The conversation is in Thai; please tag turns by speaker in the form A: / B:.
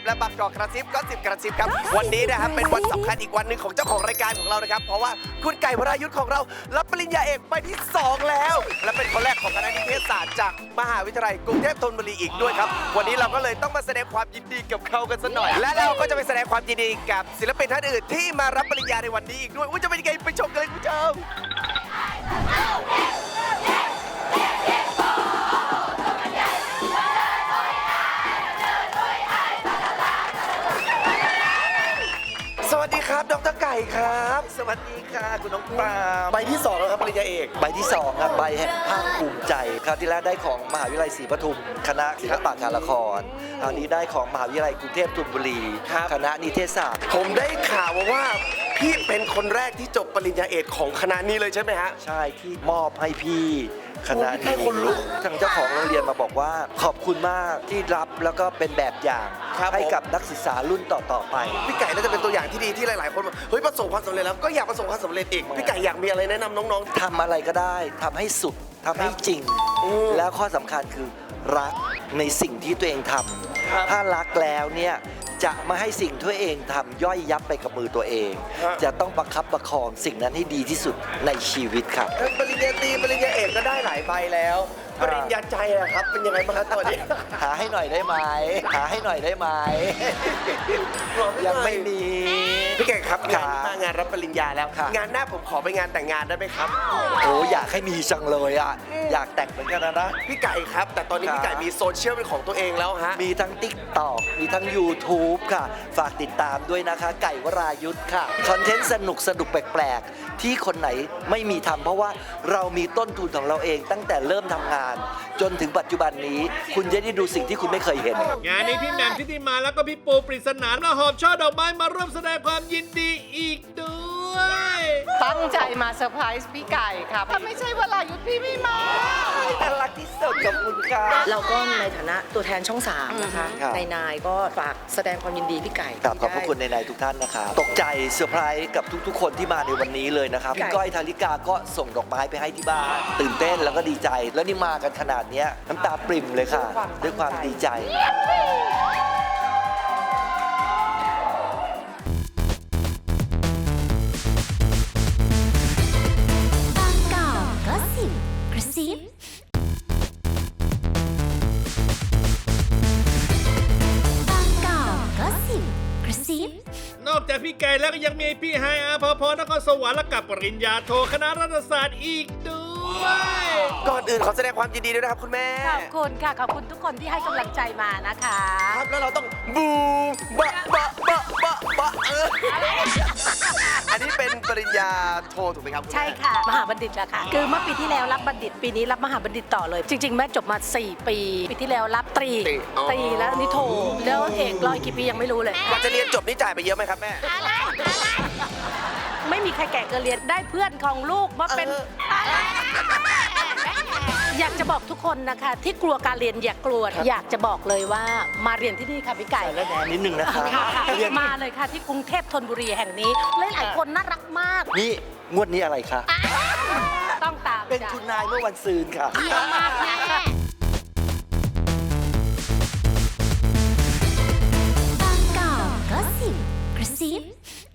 A: นะครับและบางกอกกระซิบก็10กระซิบครับวันนี้นะครับเป็นวันสำคัญอีกวันหนึ่งของเจ้าของรายการของเรานะครับเพราะว่าคุณไก่วรายุทธ์ของเรารับปริญญาเอกใบที่2แล้วและเป็นคนแรกของคณะนิเทศศาสตร์จากมหาวิทยาลัยกรุงเทพธนบุรีอีกด้วยครับวันนี้เราก็เลยต้องมาแสดงความยินดีกับเขากันสักหน่อยและเราก็จะไปแสดงความยินดีกับศิลปินท่านอื่นที่มารับปริญญาในวันนี้อีกด้วยจะเป็นยังไงไปชมกันเลยคุณผู้ชมสวัสดีครับดร.ไก่ครับสวัสดีค่ะคุณน้องปาล์มใบที่2แล้วครับปริญญาเอก
B: ใบที่2ครับใบแห่งภาคภูมิใจคราวที่แล้วได้ของมหาวิทยาลัยศรีปทุมคณะศิลปะการละครคราวนี้ได้ของมหาวิทยาลัยกรุงเทพธนบุรีคณะนิเทศศาสตร์
A: ผมได้ข่าวว่าพี่เป็นคนแรกที่จบปริญญาเอกของคณะนี้เลยใช่ไหมฮะ
B: ใช่ที่มอบให้พี่คณะนี้ทางเจ้าของโรงเรียนมาบอกว่าขอบคุณมากที่รับแล้วก็เป็นแบบอย่างให้กับนักศึกษารุ่นต่อๆไป
A: พี่ไก่น่าจะเป็นตัวอย่างที่ดีที่หลายๆคนบอกเฮ้ยประสบความสำเร็จแล้วก็อยากประสบความสำเร็จอีกพี่ไก่อยากมีอะไรแนะนำน้อง
B: ๆทำอะไรก็ได้ทำให้สุดทำให้จริงแล้วข้อสำคัญคือรักในสิ่งที่ตัวเองทำถ้ารักแล้วเนี่ยจะไม่ให้สิ่งที่ตัวเองทำย่อยยับไปกับมือตัวเองจะต้องประคับประคองสิ่งนั้นให้ดีที่สุดในชีวิตครับ
A: ปริญญาตรีปริญญาเอกก็ได้หลายใบแล้วปริญญาใจอะครับเป็นยังไงบ้างครับตอนนี้
B: หาให้หน่อยได้ไหมหาให้หน่อยได้ไหมยังไม่มี
A: พี่ไก่ครับงานรับปริญญาแล้วงานหน้าผมขอไปงานแต่งงานได้ไหมครับ
B: โอ้อยากให้มีจังเลยอ่ะอยากแต่งเหมือนกันนะ
A: พี่ไก่ครับแต่ตอนนี้พี่ไก่มีโซเชียลเป็นของตัวเองแล้วฮะ
B: มีทั้ง TikTok มีทั้ง YouTube ค่ะฝากติดตามด้วยนะคะไก่วรายุทธ์ค่ะคอนเทนต์สนุกแปลกๆที่คนไหนไม่มีทำเพราะว่าเรามีต้นทุนของเราเองตั้งแต่เริ่มทำงานจนถึงปัจจุบันนี้คุณจะได้ดูสิ่งที่คุณไม่เคยเห็น
C: งานนี้พี่แหม่มทิติมาแล้วก็พี่ปูปริศนาและหอบช่อดอกไม้มาร่วมแสดงความยินดีอีกด้วย
D: ตั้งใจมาเซอร์ไพรส์พี่ไก่ครับถ้าไม่ใช่วรายุทธ์พี่ไม่มา
B: น่ารักที่สุดกับคุณค่ะ
D: เราก็ในฐานะตัวแทนช่อง3นะคะนายก็ฝากแสดงความยินดีพี่ไก่
B: ขอบพระคุณนายทุกท่านนะคะตกใจเซอร์ไพรส์กับทุกคนที่มาในวันนี้เลยนะครับพี่ก้อยธาริกาก็ส่งดอกไม้ไปให้ที่บ้านตื่นเต้นแล้วก็ดีใจแล้วนี่มากันขนาดนี้น้ำตาปริ่มเลยค่ะด้วยความดีใจ
C: นอกจากพี่ไก่แล้วก็ยังมีพี่ไฮอาภพรนครสวรรค์และกับปริญญาโทคณะรัฐศาสตร์อีกด้วย
A: ก่อนอื่นขอแสดงความยินดีด้วยนะครับคุณแม่
E: ขอบคุณค่ะขอบคุณทุกคนที่ให้กำลังใจมานะคะ
A: ครับแล้วเราต้องบูมบะอันนี้เป็นปริญญาโทถูกไหมครับ
E: ใช่ค่ะมหาบัณฑิตแล้วค่ะคือเมื่อปีที่แล้วรับบัณฑิตปีนี้รับมหาบัณฑิตต่อเลยจริงๆแม่จบมา4ปีที่แล้วรับตรีแล้วนี่โทแล้วเอกร้อยกี่ปียังไม่รู้เลย
A: กว่าจะเรียนจบนี่จ่ายไปเยอะไหมครับแม่
E: ไม่มีใครแก่เกินเรียนได้เพื่อนของลูกมาเป็นอยากจะบอกทุกคนนะคะที่กลัวการเรียนอย่ากลัวอยากจะบอกเลยว่ามาเรียนที่นี่ค่ะพี่ไก่
B: และแดนนิดนึงนะคะ
E: มาเลยค่ะที่กรุงเทพธนบุรีแห่งนี้หลายคนน่ารักมาก
B: นี่งวดนี้อะไรคะ
E: ต้องตาม
B: เป็นคุณนายเมื่อวันซืนค่ะ
E: มากแน่
F: บางกอกก็สิบกระซิบ